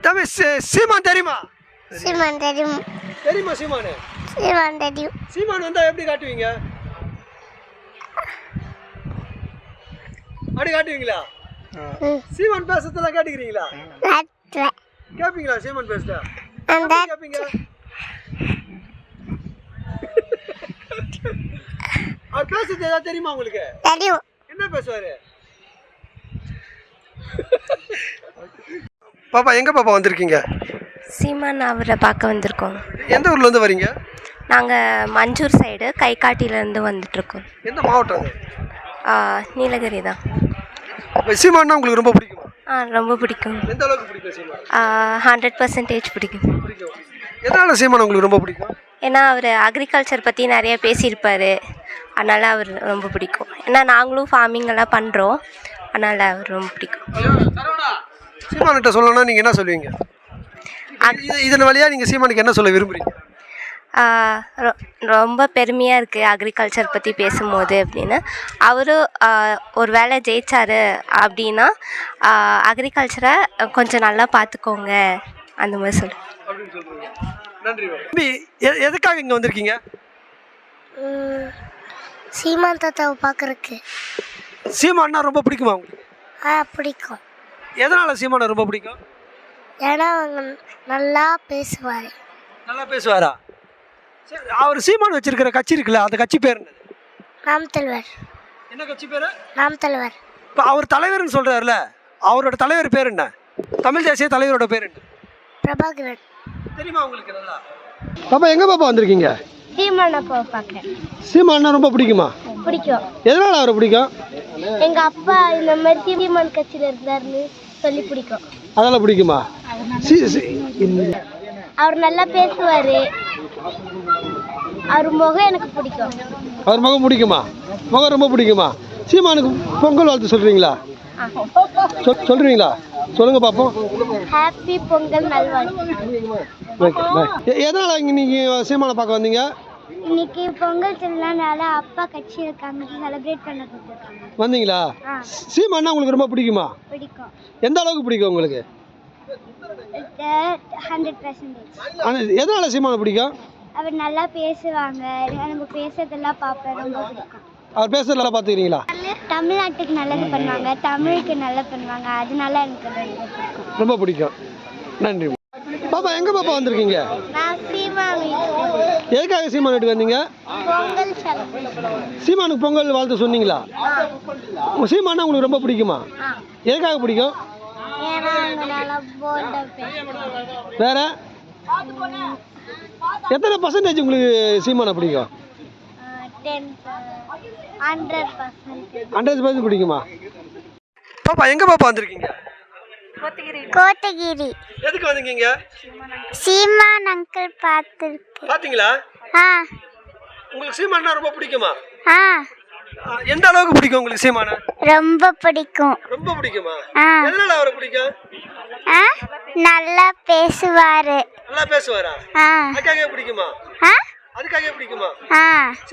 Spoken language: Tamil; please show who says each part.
Speaker 1: தம்பி சீமான் தெரியுமா?
Speaker 2: சீமான் தெரியும்.
Speaker 1: தெரியுமா சீமானு?
Speaker 2: சீமான் தெரியும்.
Speaker 1: சீமான் வந்தா எப்படி காட்டுவீங்க? அப்படி காட்டுவீங்களா? சீமான் பேசுறதெல்லாம் கேட்டுக்கிறீங்களா? கேப்பீங்களா சீமான் பேசுறத? கேப்பீங்க. அவர் பேசுறது ஏதாவது தெரியுமா உங்களுக்கு?
Speaker 2: தெரியும்.
Speaker 1: என்ன பேசுவாரு? பாப்பா எங்க பாப்பா வந்திருக்கீங்க?
Speaker 3: சீமான் அவரை பார்க்க வந்திருக்கோம்.
Speaker 1: எந்த ஊர்ல இருந்து வரீங்க?
Speaker 3: நாங்கள் மஞ்சூர் சைடு கைகாட்டிலேருந்து வந்துட்டுருக்கோம்.
Speaker 1: எந்த மாவட்டம் அது?
Speaker 3: நீலகிரி தான்.
Speaker 1: சீமான்னா உங்களுக்கு ரொம்ப பிடிக்குமா?
Speaker 3: ரொம்ப பிடிக்கும்.
Speaker 1: எந்த அளவுக்கு பிடிக்கும் சீமான்?
Speaker 3: 100% பிடிக்கும்.
Speaker 1: எதனால சீமான் உங்களுக்கு ரொம்ப பிடிக்கும்?
Speaker 3: ஏன்னா அவர் அக்ரிகல்ச்சர் பற்றி நிறைய பேசியிருப்பார், அதனால் அவர் ரொம்ப பிடிக்கும். ஏன்னா நாங்களும் ஃபார்மிங் எல்லாம் பண்ணுறோம், அதனால் அவர் ரொம்ப பிடிக்கும்.
Speaker 1: சீமான்கிட்ட சொல்லணும்னா நீங்கள் என்ன சொல்லுவீங்க? இதன் வழியாக நீங்கள் சீமானுக்கு என்ன சொல்ல விரும்புகிறீங்க?
Speaker 3: ரொம்ப பெருமையாக இருக்குது அக்ரிகல்ச்சர் பற்றி பேசும்போது அப்படின்னு. அவரும் ஒரு வேளை ஜெயிச்சார் அப்படின்னா அக்ரிகல்ச்சரை கொஞ்சம் நல்லா பார்த்துக்கோங்க அந்த மாதிரி சொல்லுவேன்.
Speaker 1: நன்றி. எதுக்காக இங்கே வந்திருக்கீங்க?
Speaker 2: சீமான் தாத்தாவை பார்க்கறதுக்கு.
Speaker 1: சீமான்னா ரொம்ப பிடிக்குமா உங்களுக்கு?
Speaker 2: பிடிக்கும்.
Speaker 1: எதனால் சீமானை ரொம்ப பிடிக்கும்?
Speaker 2: ஏன்னா அவங்க நல்லா பேசுவார்.
Speaker 1: நல்லா பேசுவாரா? சரி, அவர் சீமான் வச்சிருக்கிற கட்சி இருக்குல்ல, அந்த கட்சி பேர் என்ன?
Speaker 2: நாம் தலைவர்.
Speaker 1: என்ன கட்சி பேர்? நாம்
Speaker 2: தலைவர்.
Speaker 1: இப்போ அவர் தலைவர்னு சொல்கிறாருல, அவரோட தலைவர் பேர் என்ன? தமிழ் தேசிய தலைவரோட பேர் என்ன?
Speaker 2: பிரபாகரன்.
Speaker 1: தெரியுமா உங்களுக்கு? நல்லா பாப்பா எங்கே பாப்பா வந்திருக்கீங்க?
Speaker 2: சீமான் அப்பா பார்க்குறேன்.
Speaker 1: சீமான்னா ரொம்ப பிடிக்குமா?
Speaker 2: பிடிக்கும்.
Speaker 1: எதனால் அவரை பிடிக்கும்?
Speaker 2: எங்கள் அப்பா இந்த மாதிரி சீமான் கட்சியில் இருந்தாருன்னு சொல்லி பிடிக்கும்.
Speaker 1: அதெல்லாம் பிடிக்குமா?
Speaker 2: அவர் நல்லா பேசுவார். அவர் முகம் எனக்கு பிடிக்கும்.
Speaker 1: அவர் முகம் பிடிக்குமா? முகம் ரொம்ப பிடிக்குமா? சீமானுக்கு பொங்கல் வாழ்த்து சொல்கிறீங்களா? சொல்கிறீங்களா? சொல்லுங்க பார்ப்போம்.
Speaker 2: ஹாப்பி பொங்கல் நல்வாழ்த்து.
Speaker 1: எதனால் இங்கே நீங்கள் சீமானை பார்க்க வந்தீங்க?
Speaker 2: இன்னைக்கு பொங்கல் திருநாளால அப்பா கட்சி இருக்காங்க, செலிப்ரேட் பண்ண கொடுத்துருக்காங்க.
Speaker 1: வந்தீங்களா? சீமானா உங்களுக்கு ரொம்ப பிடிக்குமா?
Speaker 2: பிடிக்கும்.
Speaker 1: எந்த அளவுக்கு பிடிக்கும் உங்களுக்கு?
Speaker 2: 100%.
Speaker 1: எதனால சீமானை பிடிக்கும்?
Speaker 2: அவர் நல்லா பேசுவாங்க, நம்ம பேசுறதெல்லாம் பார்ப்பேன், ரொம்ப பிடிக்கும்.
Speaker 1: அவர் பேசுறது நல்லா பார்த்துக்கிறீங்களா?
Speaker 2: தமிழ்நாட்டுக்கு நல்லது பண்ணுவாங்க, தமிழுக்கு நல்லா பண்ணுவாங்க, அதனால எனக்கு பிடிக்கும்.
Speaker 1: ரொம்ப பிடிக்கும். நன்றி பாப்பா. எங்க பாப்பா வந்திருக்கீங்க?
Speaker 2: நான் சீமான் வீட்டுக்கு.
Speaker 1: எதுக்காக சீமான் வீட்டுக்கு வந்தீங்க?
Speaker 2: பொங்கல்.
Speaker 1: சீமானுக்கு பொங்கல் வாழ்த்து சொன்னீங்களா? சீமானா உங்களுக்கு ரொம்ப பிடிக்குமா? எதுக்காக பிடிக்கும்? வேற எத்தனை பர்சன்டேஜ் உங்களுக்கு சீமானை பிடிக்கும்? 100% பிடிக்குமா? பாப்பா எங்க பாப்பா வந்திருக்கீங்க?
Speaker 2: கோத்தகிரி.
Speaker 1: எதுக்கு வந்தீங்க?
Speaker 2: சீமான் அங்கிள் பார்த்துருக்கு.
Speaker 1: பாத்தீங்களா? உங்களுக்கு சீமானா ரொம்ப பிடிக்குமா? எந்த அளவுக்கு பிடிக்கும் உங்களுக்கு சீமானை?
Speaker 2: ரொம்ப பிடிக்கும்.
Speaker 1: ரொம்ப பிடிக்குமா? எதனால அவரை பிடிக்கும்?
Speaker 2: நல்லா பேசுவாரு.
Speaker 1: நல்லா பேசுவாரா? அதுக்காக பிடிக்குமா? அதுக்காக பிடிக்குமா?